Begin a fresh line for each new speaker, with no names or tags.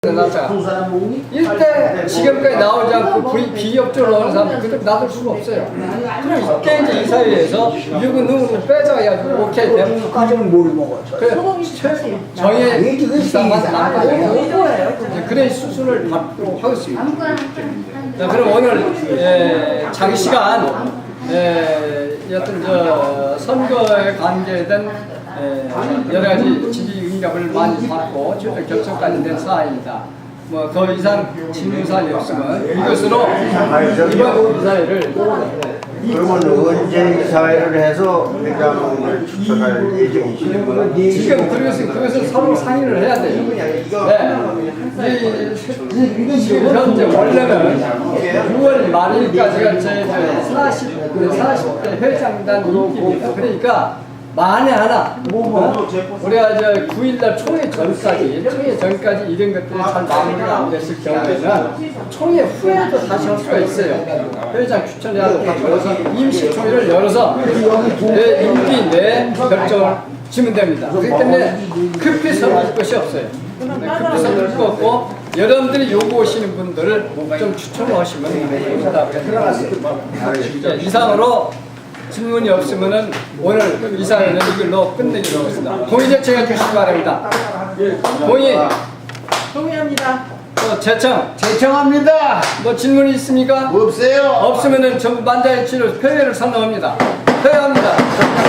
놨다가 일대 지금까지 나오지 않고 비협조로 하는 사람 그들 놔둘 수가 없어요. 그럼 이때 이제 이사회에서 누구 빼줘가지고 오케이 되면
까지는 뭘 먹었어?
그래 정의 이사만 남고 그래 수순을 받도록 하겠습니다. 자, 그럼 오늘 장시간 여튼 선거에 관계된 여러 가지 지지 응답을 많이 받고 최종 결정까지 된 사안입니다. 뭐 더 이상 질문 사안이 없으면 이것으로 이번 이사회를
그러면 언제 이사회를 해서 회장을 추천할 예정이시고요?
지금 그것을 서로 상의를 해야 돼요. 네. 지금 현재 원래는 6월 말일까지가 제 40대 회장단 임기입니다. 그러니까 만에 하나 우리가 9일날 총회 전까지 이런 것들이 잘 마무리가 안 됐을 경우에는 총회 후에도 다시 할 수가 있어요. 회장 추천해야 그래서 임시 총회를 열어서 내 임기 내 결정을 지면 됩니다. 그렇기 때문에 급히 서둘 것이 없어요. 급히 서둘 거 없고 여러분들이 요구하시는 분들을 좀 추천하시면 됩니다. 이상으로 질문이 없으면은 오늘 이사회는 이걸로 끝내기로 하겠습니다. 동의 제청해 주시기 바랍니다.
동의합니다.
제청합니다. 뭐 질문이 있습니까?
없어요.
없으면은 전부 만장일치로 표회를 선언합니다. 표회합니다.